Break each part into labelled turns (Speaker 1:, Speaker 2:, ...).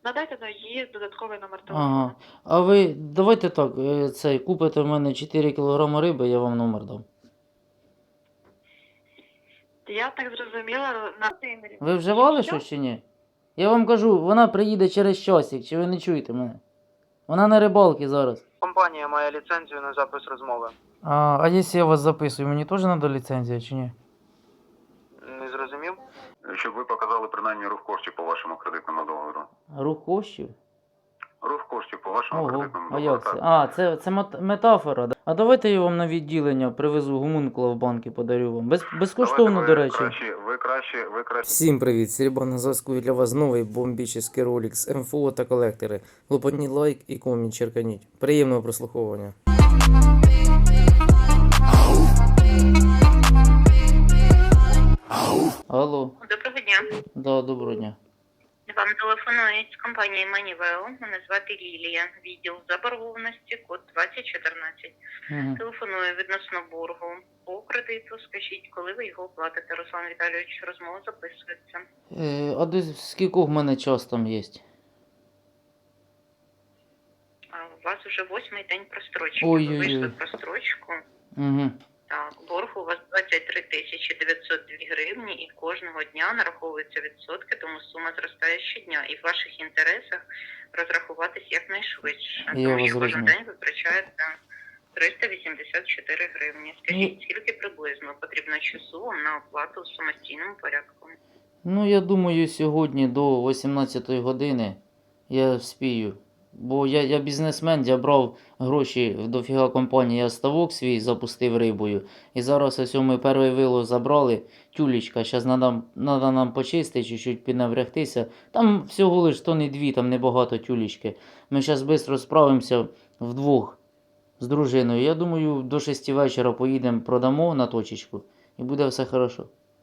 Speaker 1: Надайте на її додатковий номер телефону.
Speaker 2: Ага. А ви давайте так, цей, купите в мене 4 кг риби, я вам номер дам.
Speaker 1: Я так зрозуміла, на Володимирі.
Speaker 2: Ви вживали
Speaker 1: Що?
Speaker 2: щось чи ні? Я вам кажу, вона приїде через часик, чи ви не чуєте мене? Вона на рибалці зараз.
Speaker 3: Компанія має ліцензію на запис розмови.
Speaker 2: А якщо я вас записую, мені теж треба ліцензія чи ні?
Speaker 3: Не зрозумів?
Speaker 4: Щоб ви показали принаймні рух коштів по вашому кредитному договору.
Speaker 2: Рух коштів?
Speaker 4: Рух коштів по вашому
Speaker 2: Ого,
Speaker 4: кредитному
Speaker 2: а
Speaker 4: договору.
Speaker 2: як це?
Speaker 4: Так.
Speaker 2: А, це метафора. Да? А давайте я вам на відділення привезу гомункула в банки, подарю вам. Безкоштовно, до речі.
Speaker 4: Ви краще.
Speaker 2: Всім привіт! Сереба на зв'язку і для вас новий бомбічний ролик з МФО та колектори. Лопотніть лайк і комент черканіть. Приємного прослуховування. Алло.
Speaker 1: Доброго дня.
Speaker 2: Да, доброго дня.
Speaker 1: Вам телефонують з компанії Манівео. Мене звати Лілія. Відділ заборгованості, код 2014.
Speaker 2: Угу.
Speaker 1: Телефоную відносно боргу по кредиту. Скажіть, коли ви його оплатите, Руслан Віталійович, розмова записується.
Speaker 2: А до скількох в мене час там є?
Speaker 1: А у вас вже 8-й день прострочки.
Speaker 2: Ой-ой-ой.
Speaker 1: Ви вийшли прострочку.
Speaker 2: Угу.
Speaker 1: Так, борг у вас 23 902 гривні і кожного дня нараховуються відсотки, тому сума зростає щодня. І в ваших інтересах розрахуватись якнайшвидше.
Speaker 2: Я
Speaker 1: Тому
Speaker 2: вас
Speaker 1: що кожен
Speaker 2: зрозумів.
Speaker 1: день витрачається 384 гривні. Скажіть, скільки приблизно потрібно часу вам на оплату в самостійному порядку?
Speaker 2: Ну, я думаю, сьогодні до 18 години я вспію. Бо я бізнесмен, я брав гроші в дофіга компанії, я ставок свій запустив рибою. І зараз ось ми перший вилов забрали, тюлечка, зараз надо нам почистити, чуть-чуть піднаврягтися. Там всього лиш тонни дві, там небагато тюлечки. Ми зараз швидко справимося вдвох з дружиною. Я думаю, до 6 вечора поїдемо, продамо на точечку і буде все хорошо.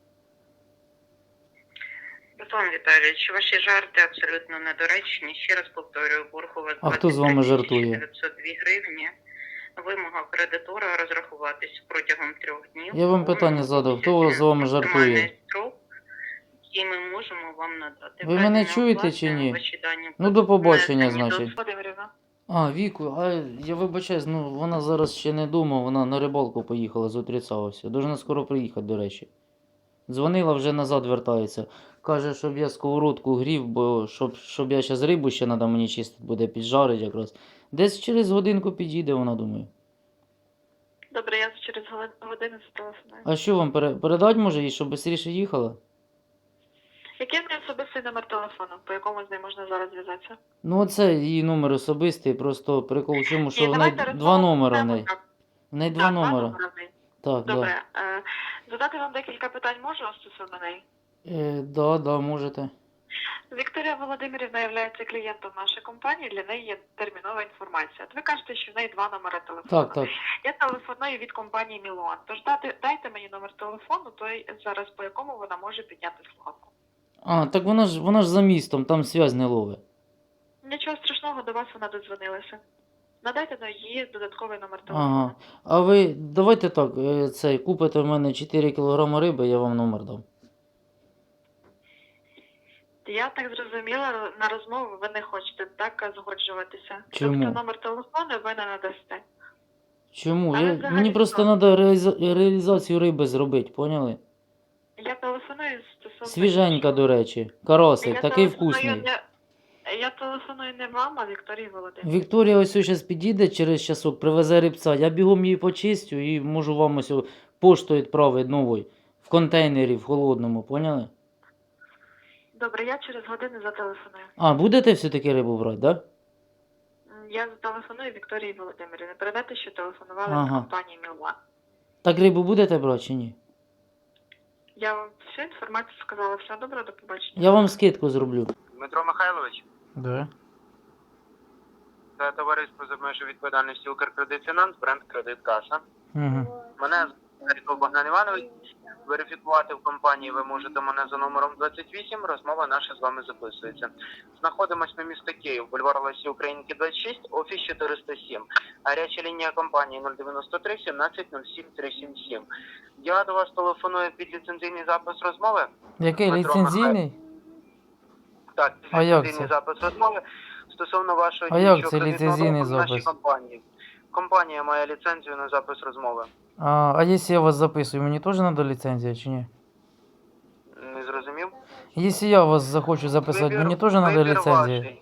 Speaker 1: Руслан Віталійович, ваші жарти абсолютно недоречні. Ще раз повторюю, борг у вас
Speaker 2: А хто з вами жартує?
Speaker 1: 902 гривні. Вимога кредитора розрахуватись протягом 3 днів.
Speaker 2: Я вам питання задав, хто з вами жартує?
Speaker 1: Максимальний строк, який ми можемо вам надати.
Speaker 2: Ви мене чуєте чи ні?
Speaker 1: Ваші дані
Speaker 2: Ну, до побачення,
Speaker 1: внесені до
Speaker 2: значить.
Speaker 1: Володимирівна.
Speaker 2: А, Віку, а я вибачаюсь, ну вона зараз ще не дома, вона на рибалку поїхала з утреца ось. Должна скоро приїхати, до речі. Дзвонила, вже назад вертається. Каже, щоб я сковородку грів, бо щоб я зараз рибу ще треба мені чистити, буде піджарить якраз. Десь через годинку підійде, вона думає.
Speaker 1: Добре, я через годину зателефоную.
Speaker 2: А що вам передати може їй, щоб швидше їхала?
Speaker 1: Який в неї особистий номер телефону, по якому з нею можна зараз зв'язатися?
Speaker 2: Ну оце її номер особистий, просто прикол в чому, що
Speaker 1: Ні,
Speaker 2: в неї
Speaker 1: давайте
Speaker 2: два номери в
Speaker 1: розмовимо
Speaker 2: неї.
Speaker 1: так.
Speaker 2: В неї два
Speaker 1: Так,
Speaker 2: номери.
Speaker 1: номери в неї.
Speaker 2: Так,
Speaker 1: Добре. Задати вам декілька питань можу стосовно неї?
Speaker 2: Да, можете.
Speaker 1: Вікторія Володимирівна є клієнтом нашої компанії, для неї є термінова інформація. От ви кажете, що в неї 2 номери телефону.
Speaker 2: Так.
Speaker 1: Я телефоную від компанії Мілуан. Тож дайте мені номер телефону, той зараз по якому вона може підняти слухавку.
Speaker 2: А, так вона ж за містом, там зв'язь не ловить.
Speaker 1: Нічого страшного, до вас вона додзвонилася. Надайте на її додатковий номер телефону.
Speaker 2: Ага. А ви давайте так, цей, купите в мене 4 кг риби, я вам номер дам.
Speaker 1: Я так зрозуміла, на розмову ви не хочете так згоджуватися.
Speaker 2: Чому?
Speaker 1: Тобто номер телефону ви не надасте.
Speaker 2: Чому?
Speaker 1: Але
Speaker 2: Мені
Speaker 1: взагалі
Speaker 2: просто
Speaker 1: що?
Speaker 2: треба реалізацію риби зробити, поняли?
Speaker 1: Я телефоную стосовно...
Speaker 2: Свіженька, до речі. Карасик,
Speaker 1: Я
Speaker 2: такий
Speaker 1: телефоную
Speaker 2: вкусний.
Speaker 1: Я телефоную не вам, а Вікторії Володимирівні.
Speaker 2: Вікторія ось зараз підійде через часок, привезе рибця. Я бігом її почистю і можу вам ось пошту відправити новою. В контейнері, в холодному, поняли?
Speaker 1: Добре, я через годину зателефоную.
Speaker 2: А, будете все-таки рибу брати, так? Да?
Speaker 1: Я зателефоную Вікторії Володимирівні. Передайте, що телефонували з
Speaker 2: Ага.
Speaker 1: компанії Мілуан.
Speaker 2: Так рибу будете брати чи ні?
Speaker 1: Я вам всю інформацію сказала. Все добре, до побачення.
Speaker 2: Я вам скидку зроблю.
Speaker 3: Дмитро Михайлович,
Speaker 2: Да.
Speaker 3: це товариство з обмеженою відповідальністю Укркредитфінанс, бренд Кредит Каса.
Speaker 2: Угу.
Speaker 3: Мене звати Богдан Іванович. Верифікувати в компанії ви можете мене за номером 28. Розмова наша з вами записується. Знаходимось на місто Київ, бульвар Лесі Українки 26, офіс 407. Гаряча лінія компанії 093 17 07 377. Я до вас телефоную під ліцензійний запис розмови.
Speaker 2: Який
Speaker 3: Дмитро
Speaker 2: ліцензійний?
Speaker 3: Так,
Speaker 2: А як
Speaker 3: ліцензійний
Speaker 2: це?
Speaker 3: запис розмови стосовно вашого
Speaker 2: А як
Speaker 3: діючого
Speaker 2: це
Speaker 3: кредитного
Speaker 2: ліцензійний
Speaker 3: договору в нашій
Speaker 2: запис?
Speaker 3: компанії. Компанія має ліцензію на запис розмови.
Speaker 2: А якщо я вас записую, мені теж треба ліцензія чи ні?
Speaker 3: Не зрозумів?
Speaker 2: Якщо я вас захочу записати, мені теж треба
Speaker 3: вибір
Speaker 2: ліцензія?
Speaker 3: ваший.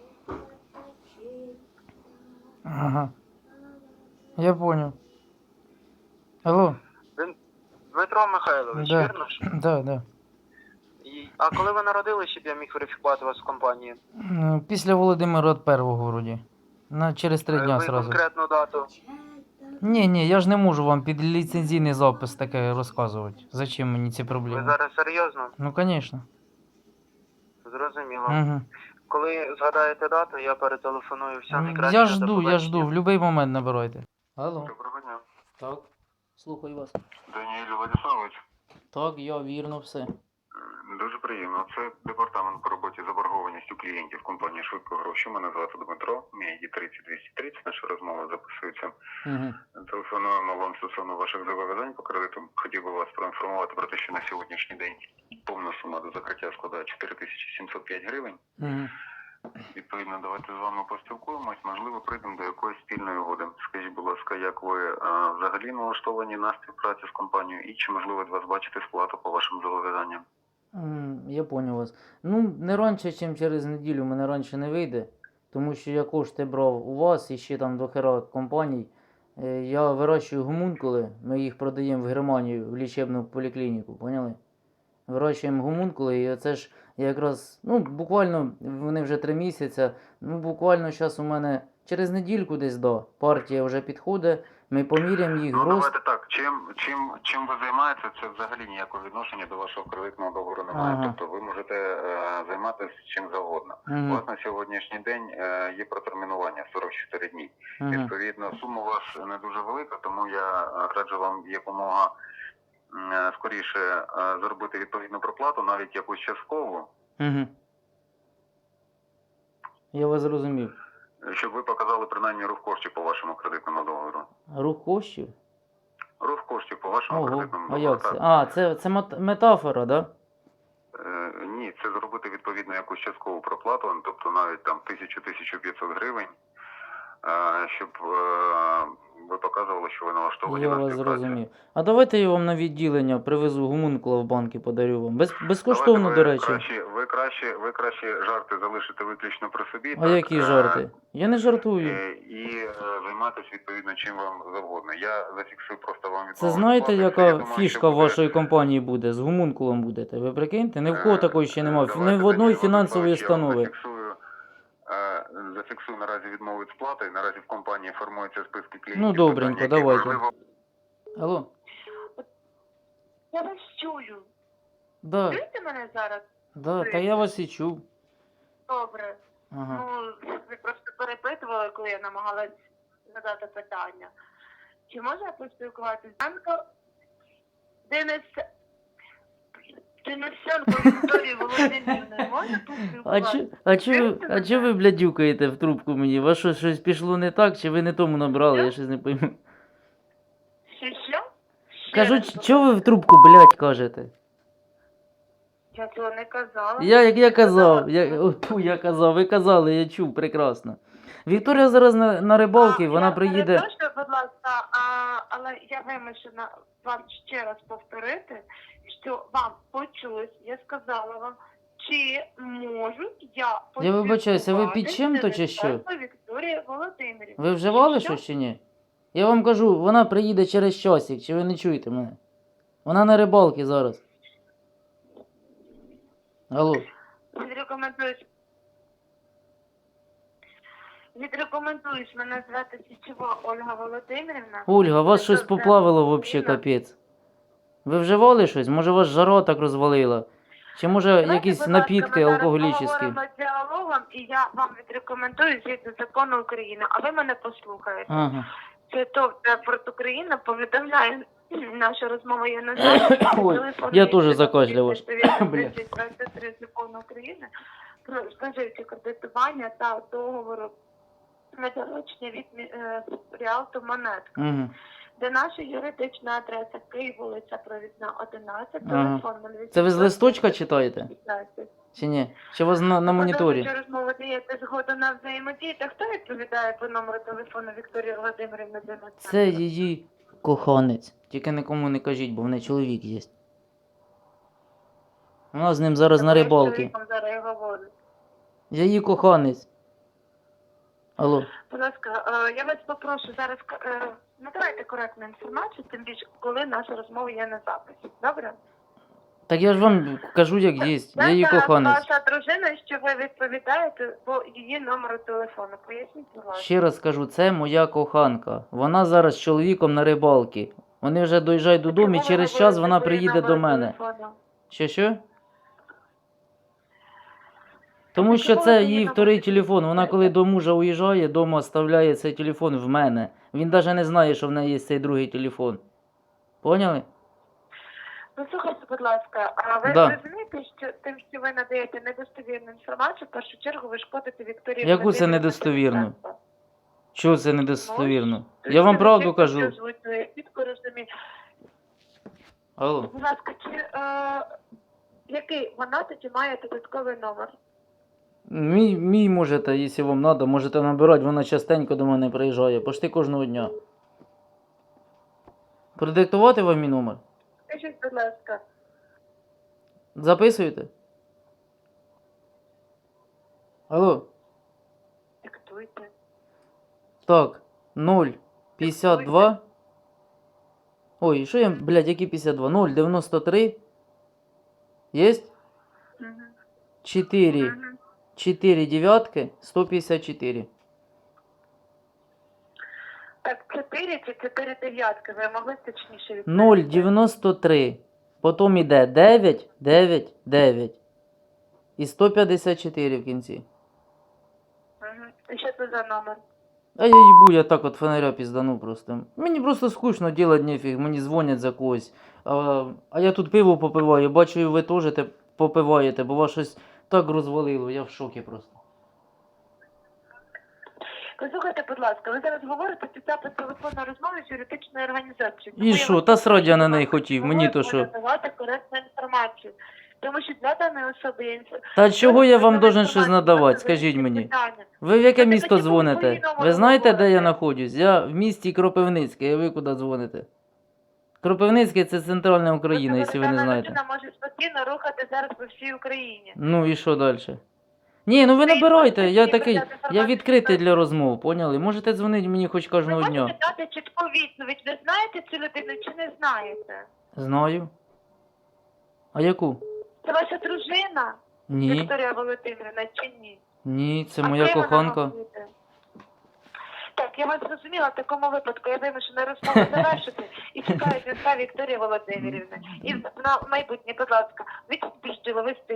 Speaker 2: Ага. Я понял. Алло.
Speaker 3: Дмитро Михайлович,
Speaker 2: Да.
Speaker 3: вірно ж?
Speaker 2: Да.
Speaker 3: А коли ви народились, щоб я міг верифікувати вас в компанії?
Speaker 2: Після Володимира Первого вроді. Через 3 дня
Speaker 3: Ви
Speaker 2: сразу.
Speaker 3: конкретну дату?
Speaker 2: Ні, я ж не можу вам під ліцензійний запис таке розказувати. Зачем мені ці
Speaker 3: Ви
Speaker 2: проблеми?
Speaker 3: зараз серйозно?
Speaker 2: Ну, звісно.
Speaker 3: Зрозуміло.
Speaker 2: Угу.
Speaker 3: Коли згадаєте дату, я перетелефоную. Все найкраще.
Speaker 2: Я
Speaker 3: до
Speaker 2: жду,
Speaker 3: побачення.
Speaker 2: в будь-який момент набирайте. Алло.
Speaker 4: Доброго дня.
Speaker 2: Так. Слухаю вас.
Speaker 4: Даніель Владиславович.
Speaker 2: Так, я вірно все.
Speaker 4: Дуже приємно. Це департамент по роботі з заборгованістю клієнтів компанії «Швидко гроші». Мене звати Дмитро. Мій ID 30230. Наша розмова записується.
Speaker 2: Угу.
Speaker 4: Телефонуємо вам стосовно ваших зобов'язань по кредиту. Хотів би вас проінформувати про те, що на сьогоднішній день повна сума до закриття складає 4705 гривень.
Speaker 2: Угу.
Speaker 4: Відповідно, давайте з вами поспілкуємось, можливо, прийдемо до якоїсь спільної угоди. Скажіть, будь ласка, як ви взагалі налаштовані на співпрацю з компанією і чи можливо від вас бачити сплату по вашим зобов'язанням?
Speaker 2: Я понял вас. Ну, не раніше, ніж через неділю, мене раніше не вийде, тому що я кошти брав у вас і ще там до хера компаній. Я вирощую гомункули, ми їх продаємо в Германію в лічебну поліклініку, поняли? Вирощуємо гомункули, і це ж якраз, буквально, вони вже 3 місяці, буквально зараз у мене через недільку десь, партія вже підходить, ми поміряємо їх
Speaker 4: Ну,
Speaker 2: рост.
Speaker 4: давайте так, чим ви займаєтеся, це взагалі ніякого відношення до вашого кредитного договору немає.
Speaker 2: Ага.
Speaker 4: Тобто ви можете займатися чим завгодно. У
Speaker 2: Угу.
Speaker 4: вас на сьогоднішній день є протермінування 44 дні.
Speaker 2: Угу.
Speaker 4: Відповідно, сума у вас не дуже велика, тому я раджу вам якомога скоріше зробити відповідну проплату, навіть якусь часткову,
Speaker 2: Угу. Я вас зрозумів.
Speaker 4: щоб ви показали принаймні рух коштів по вашому кредитному договору.
Speaker 2: Рух коштів?
Speaker 4: Рух коштів по вашому
Speaker 2: Ого,
Speaker 4: кредитному
Speaker 2: а
Speaker 4: договору.
Speaker 2: як це?
Speaker 4: так.
Speaker 2: А, це метафора, да?
Speaker 4: Ні, це зробити відповідно якусь часткову проплату, тобто навіть там 1000-1500 гривень, щоб ви показували, що ви налаштовані
Speaker 2: Я
Speaker 4: на
Speaker 2: вас
Speaker 4: співпрацю.
Speaker 2: зрозумів. А давайте я вам на відділення привезу гомункула в банк і подарю вам. Безкоштовно,
Speaker 4: Давайте
Speaker 2: до речі.
Speaker 4: ви краще жарти залишите виключно при собі.
Speaker 2: А які жарти? Я не жартую.
Speaker 4: І займатися відповідно чим вам завгодно. Я зафіксую просто вам
Speaker 2: Це
Speaker 4: відмову
Speaker 2: знаєте,
Speaker 4: від сплати.
Speaker 2: яка
Speaker 4: Я думаю,
Speaker 2: фішка
Speaker 4: що
Speaker 2: в
Speaker 4: буде-
Speaker 2: вашої компанії буде? З гомункулом будете. Ви прикиньте? Ні в кого такої ще немає.
Speaker 4: Давайте,
Speaker 2: Ні в одної
Speaker 4: Данило
Speaker 2: фінансової
Speaker 4: Владиславович, я вам
Speaker 2: установи.
Speaker 4: зафіксую наразі відмову від сплати. Наразі в компанії формуються списки клієнтів.
Speaker 2: Ну, добренько,
Speaker 4: питання, які
Speaker 2: давайте.
Speaker 4: важливо.
Speaker 2: Алло?
Speaker 1: Я вас чую.
Speaker 2: Да,
Speaker 1: Чуєте мене зараз?
Speaker 2: та я вас і чув.
Speaker 1: Добре.
Speaker 2: Ага.
Speaker 1: Ви просто перепитували, коли я намагалась задати питання. Чи можна поспілкуватися з Анко Денисенко Вікторією Володимирівною? Можна поспілкуватися?
Speaker 2: А чо ви блядюкаєте в трубку мені? Вас щось пішло не так, чи ви не тому набрали, я щось не пойму.
Speaker 1: Що?
Speaker 2: Кажу, чого ви в трубку, блядь, кажете?
Speaker 1: Я цього не казала.
Speaker 2: Я казав, я казав, ви казали, я чув прекрасно. Вікторія зараз на рибалці, вона приїде.
Speaker 1: Перепрошую, будь ласка, але я вимушена вам ще раз повторити, що вам почулось, я сказала вам, чи можу я
Speaker 2: вибачаюся, ви під чим-то чи що?
Speaker 1: Вікторія Володимирівна.
Speaker 2: Ви вживали
Speaker 1: Що?
Speaker 2: щось чи ні? Я вам кажу, вона приїде через часик, чи ви не чуєте мене? Вона на рибалці зараз. Алло.
Speaker 1: Відрекомендуєш мене звати Січова Ольга Володимирівна.
Speaker 2: Ольга, вас
Speaker 1: Це
Speaker 2: щось
Speaker 1: все
Speaker 2: поплавило вообще
Speaker 1: Україна.
Speaker 2: капець. Ви вживали щось? Може вас жара так розвалила? Чи може
Speaker 1: Давайте,
Speaker 2: якісь
Speaker 1: будь ласка,
Speaker 2: напітки
Speaker 1: ми зараз
Speaker 2: алкоголічні?
Speaker 1: поговоримо діалогом, і я вам відрекомендую згідно закону України, а ви мене послухаєте.
Speaker 2: Ага.
Speaker 1: Це ТОВ «Транспорт Україна» повідомляє, наша розмова є на записі.
Speaker 2: Ой,
Speaker 1: Телефон
Speaker 2: я
Speaker 1: є
Speaker 2: теж
Speaker 1: 23
Speaker 2: закашляв. Бля.
Speaker 1: 23 закону України про споживче кредитування та договору на доручення від Ріалту Монетка.
Speaker 2: Угу.
Speaker 1: Де наша юридична адреса Київ, вулиця Провідна, 11,
Speaker 2: Ага.
Speaker 1: телефон 0800
Speaker 2: Це ви з листочка читаєте?
Speaker 1: 15.
Speaker 2: Чи ні? Чи у вас на моніторі?
Speaker 5: Продовжуючи розмову, даєте згоду на взаємодію. Та хто відповідає по номеру телефону Вікторії Володимирівни Денисенко?
Speaker 2: Це її коханець. Тільки нікому не кажіть, бо в неї чоловік є. Вона з ним зараз на
Speaker 5: Я з
Speaker 2: рибалки.
Speaker 5: чоловіком зараз і говорю.
Speaker 2: Я її коханець. Алло.
Speaker 5: Будь ласка, я вас попрошу зараз надавайте коректну інформацію, тим більше, коли наша розмова є на записі. Добре?
Speaker 2: Так я ж вам кажу, як є. Я її
Speaker 5: Це
Speaker 2: коханець.
Speaker 5: ваша дружина, що ви відповідаєте по її номеру телефону. Поясніть, будь ласка.
Speaker 2: Ще раз кажу, це моя коханка. Вона зараз з чоловіком на рибалки. Вони вже доїжджають додому і
Speaker 5: Чому ви
Speaker 2: через час
Speaker 5: говорите
Speaker 2: вона
Speaker 5: по її
Speaker 2: приїде до
Speaker 5: номеру
Speaker 2: мене.
Speaker 5: телефону?
Speaker 2: Що? Тому що
Speaker 5: Чому
Speaker 2: це
Speaker 5: ви
Speaker 2: її
Speaker 5: її
Speaker 2: вторий
Speaker 5: номер
Speaker 2: телефон. Вона коли до мужа уїжджає, дома оставляє цей телефон в мене. Він навіть не знає, що в неї є цей другий телефон. Поняли?
Speaker 5: Ну, слухайте, будь ласка, а ви
Speaker 2: Да.
Speaker 5: розумієте, що тим, що ви надаєте недостовірну інформацію, в першу чергу ви шкодите Вікторії
Speaker 2: Яку це
Speaker 5: Володимирівні
Speaker 2: недостовірну?
Speaker 5: Денисенко.
Speaker 2: Чого це недостовірно?
Speaker 5: Тому
Speaker 2: Я вам
Speaker 5: що
Speaker 2: правду
Speaker 5: ви
Speaker 2: кажу.
Speaker 5: чітко чітко розумію.
Speaker 2: Алло.
Speaker 5: Будь ласка, який вона тоді має додатковий номер?
Speaker 2: Мій можете, якщо вам треба, можете набирати, вона частенько до мене приїжджає, почти кожного дня. Продиктувати вам мій номер?
Speaker 5: Скажіть, будь ласка,
Speaker 2: Записуєте? Алло.
Speaker 5: диктуйте.
Speaker 2: Так, 0,52. Ой, що я, блядь, які 52? 0,93. Єсть?
Speaker 5: Угу.
Speaker 2: 4,
Speaker 5: Угу.
Speaker 2: 4 дев'ятки, 154.
Speaker 5: Так, 4 чи 4 дев'ятки, ви могли точніше відповісти?
Speaker 2: 0,93. Потім іде 9, 9, 9. І 154 в кінці.
Speaker 5: Угу. І що це за номер?
Speaker 2: А я їбу, я так от фонаря піздану просто. Мені просто скучно делать нефіг, мені дзвонять за когось. А я тут пиво попиваю, бачу, і ви теж попиваєте, бо вас щось так розвалило, я в шокі просто.
Speaker 5: Послухайте, будь ласка, ви зараз говорите під запис телефонної розмови з юридичною організацією.
Speaker 2: І що, та срать я на неї хотів, мені то що?
Speaker 5: Надавати коректну інформацію. Тому що для даної особи є
Speaker 2: Та чого я вам должен щось надавати, скажіть мені? Ви в яке місто дзвоните? Ви знаєте, де я знаходжусь? Я в місті Кропивницьке, а ви куди дзвоните? Кропивницьке це центральна Україна, якщо ви не знаєте.
Speaker 5: Людина може спокійно рухати зараз по всій Україні.
Speaker 2: Ну і що далі? Ні, ну ви набирайте, я такий, я відкритий для розмов, поняли? Можете дзвонити мені хоч
Speaker 5: Ви
Speaker 2: кожного
Speaker 5: можете
Speaker 2: дня.
Speaker 5: дати чітку відповідь. Ви знаєте цю людину чи не знаєте?
Speaker 2: Знаю. А яку?
Speaker 5: Це ваша дружина,
Speaker 2: Ні,
Speaker 5: Вікторія Володимирівна, чи ні?
Speaker 2: ні, це
Speaker 5: А
Speaker 2: моя
Speaker 5: ким вона
Speaker 2: коханка.
Speaker 5: вам буде? Так, я вас зрозуміла, в такому випадку я вимушена розмову завершити і чекаю дзвінка Вікторії Володимирівни. І на майбутнє, будь ласка, відпустіть діловий стиль.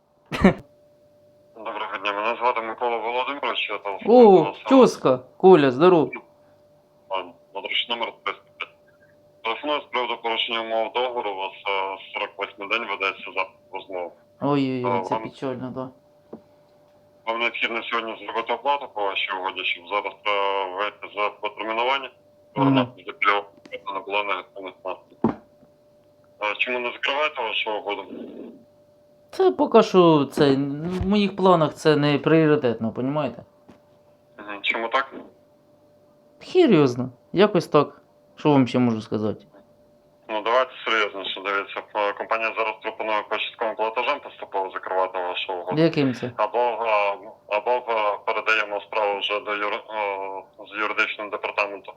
Speaker 4: Доброго дня, мене звати Микола Володимирович, я телефоную до
Speaker 2: О,
Speaker 4: вас.
Speaker 2: тьоска, Коля, здоров.
Speaker 4: Надручний номер 305. Телефоную з приводу порушення умов договору, у вас 48 день ведеться запит розмови.
Speaker 2: Ой-ой-ой, це
Speaker 4: Вам-
Speaker 2: печально, да.
Speaker 4: Вам необхідно сьогодні зробити оплату по вашій угоді, щоб зараз вийти за потермінування. Сторона не була негативних наслідків. Чому не закриваєте вашу угоду?
Speaker 2: Це поки що, це, в моїх планах це не пріоритетно, понімаєте?
Speaker 4: Чому так?
Speaker 2: Хір його зна, якось так. Що вам ще можу сказати?
Speaker 4: Ну давайте серйозніше, дивіться. Компанія зараз пропонує по частковим платежам поступово закривати вашу угоду.
Speaker 2: Яким це?
Speaker 4: Або передаємо справу вже з юридичного департаменту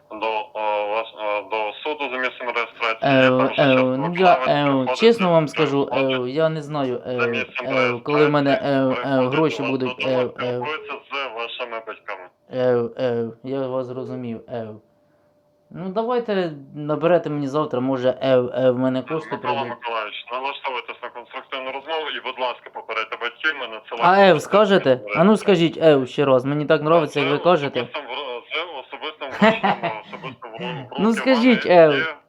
Speaker 4: до суду за місцем реєстрації. Там вже частково
Speaker 2: Ну
Speaker 4: вправи
Speaker 2: я,
Speaker 4: приходять,
Speaker 2: чесно вам
Speaker 4: це
Speaker 2: скажу,
Speaker 4: входить
Speaker 2: я не знаю,
Speaker 4: за місцем реєстрації,
Speaker 2: коли в мене
Speaker 4: приходить
Speaker 2: гроші
Speaker 4: до вас
Speaker 2: будуть,
Speaker 4: додому, спілкується з вашими батьками.
Speaker 2: я вас зрозумів, Ну давайте наберете мені завтра, може, в мене кошти
Speaker 4: Микола
Speaker 2: прийдуть.
Speaker 4: Миколаївич, налаштовуйтесь на конструктивну розмову і, будь ласка, попередьте батьків, ми надсилаємо.
Speaker 2: А скажете? А ну скажіть ще раз, мені так подобається, як ви кажете.
Speaker 4: З особистим врученням, особисто в
Speaker 2: Ну,
Speaker 4: руки
Speaker 2: скажіть,
Speaker 4: вам є